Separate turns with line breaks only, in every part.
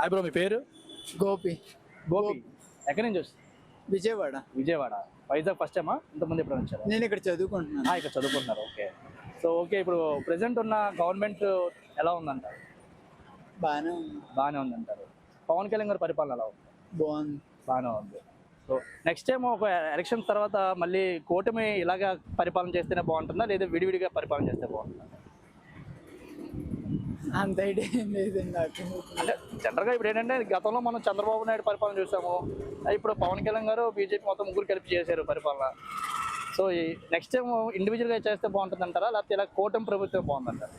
Hi bro, మీ పేరు?
గోపి.
గోపి. ఎక్కడి నుంచి వస్తుంది?
విజయవాడ.
విజయవాడ. వైజాగ్ ఫస్ట్ టైమా? ఇంతకుముందు ఎప్పుడు వచ్చారు?
నేను ఇక్కడ చదువుకుంటున్నాను.
ఇక్కడ చదువుకుంటున్నారు. ఓకే. సో ఓకే, ఇప్పుడు ప్రెసెంట్ ఉన్న గవర్నమెంట్ ఎలా ఉందంటారు?
బాగానే
ఉందంటారు. పవన్ కళ్యాణ్ గారి పరిపాలన ఎలా ఉంది?
బాగుంది.
బాగానే ఉంది. సో నెక్స్ట్ టైం ఒక ఎలక్షన్ తర్వాత మళ్ళీ కూటమి ఇలాగా పరిపాలన చేస్తేనే బాగుంటుందా, లేదా విడివిడిగా పరిపాలన చేస్తే బాగుంటుందా?
అంత ఐడియా ఏం లేదండి నాకు.
అంటే జనరల్గా ఇప్పుడు ఏంటంటే గతంలో మనం చంద్రబాబు నాయుడు పరిపాలన చూసాము, ఇప్పుడు పవన్ కళ్యాణ్ గారు బీజేపీ మొత్తం ముగ్గురు కలిపి చేశారు పరిపాలన. సో ఈ నెక్స్ట్ టైం ఇండివిజువల్గా చేస్తే బాగుంటుంది అంటారా, లేకపోతే ఇలా కూటమి ప్రభుత్వం బాగుందంటారు?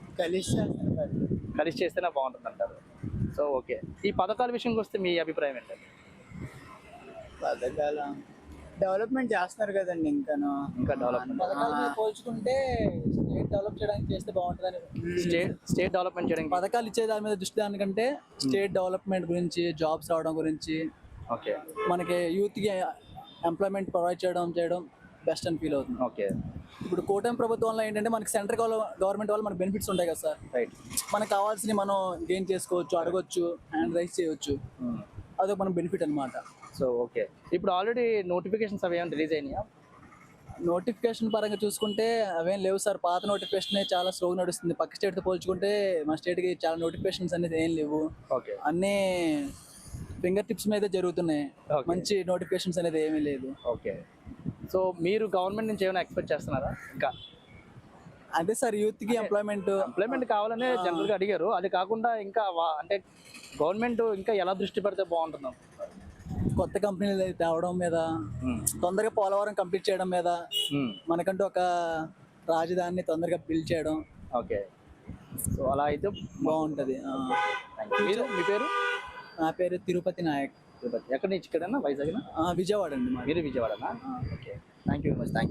కలిసి చేస్తేనే బాగుంటుంది అంటారు. సో ఓకే, ఈ పథకాల విషయంకి వస్తే మీ అభిప్రాయం ఏంటంటే?
పథకాల డెవలప్మెంట్ చేస్తున్నారు కదండి. ఇంకా డెవలప్మెంట్
పథకాల మీద పోల్చుకుంటే స్టేట్ డెవలప్ చేయడానికి చేస్తే బాగుంటుందని.
స్టేట్ డెవలప్మెంట్ చేయడానికి
పథకాలు ఇచ్చే దాని మీద దృష్టి దానికంటే స్టేట్ డెవలప్మెంట్ గురించి, జాబ్స్ రావడం గురించి,
ఓకే,
మనకి యూత్కి ఎంప్లాయ్మెంట్ ప్రొవైడ్ చేయడం బెస్ట్ అని ఫీల్ అవుతుంది.
ఓకే.
ఇప్పుడు కూటమి ప్రభుత్వంలో ఏంటంటే మనకి సెంట్రల్ గవర్నమెంట్ వల్ల మనకి బెనిఫిట్స్ ఉంటాయి కదా సార్.
రైట్.
మనకు కావాల్సినవి మనం గెయిన్ చేసుకోవచ్చు, అడగొచ్చు, హ్యాండ్ రైజ్ చేయవచ్చు. అదొక మన బెనిఫిట్ అనమాట.
సో ఓకే, ఇప్పుడు ఆల్రెడీ నోటిఫికేషన్స్ అవి ఏమైనా రిలీజ్ అయినాయా?
నోటిఫికేషన్ పరంగా చూసుకుంటే అవేం లేవు సార్. పాత నోటిఫికేషన్ చాలా స్లోగా నడుస్తుంది. పక్క స్టేట్తో పోల్చుకుంటే మన స్టేట్కి చాలా నోటిఫికేషన్స్ అనేది ఏం లేవు.
ఓకే.
అన్నీ ఫింగర్ టిప్స్ మీద జరుగుతున్నాయి. మంచి నోటిఫికేషన్స్ అనేది ఏమీ లేదు.
ఓకే. సో మీరు గవర్నమెంట్ నుంచి ఏమైనా ఎక్స్పెక్ట్ చేస్తున్నారా? ఇంకా
అదే సార్, యూత్కి ఎంప్లాయ్మెంట్
కావాలనే జనరల్గా అడిగారు. అది కాకుండా ఇంకా అంటే గవర్నమెంట్ ఇంకా ఎలా దృష్టి పెడితే బాగుంటుందో?
కొత్త కంపెనీలు తేవడం మీద, తొందరగా పోలవరం కంప్లీట్ చేయడం మీద, మనకంటూ ఒక రాజధానిని తొందరగా బిల్డ్ చేయడం.
ఓకే. సో అలా అయితే
బాగుంటుంది.
మీ పేరు?
నా పేరు తిరుపతి నాయక్.
తిరుపతి. ఎక్కడి నుంచి? ఇక్కడన్నా వైజాగ్?
విజయవాడ అండి.
మీరు విజయవాడనా? Okay. Thank you very much. Thank you.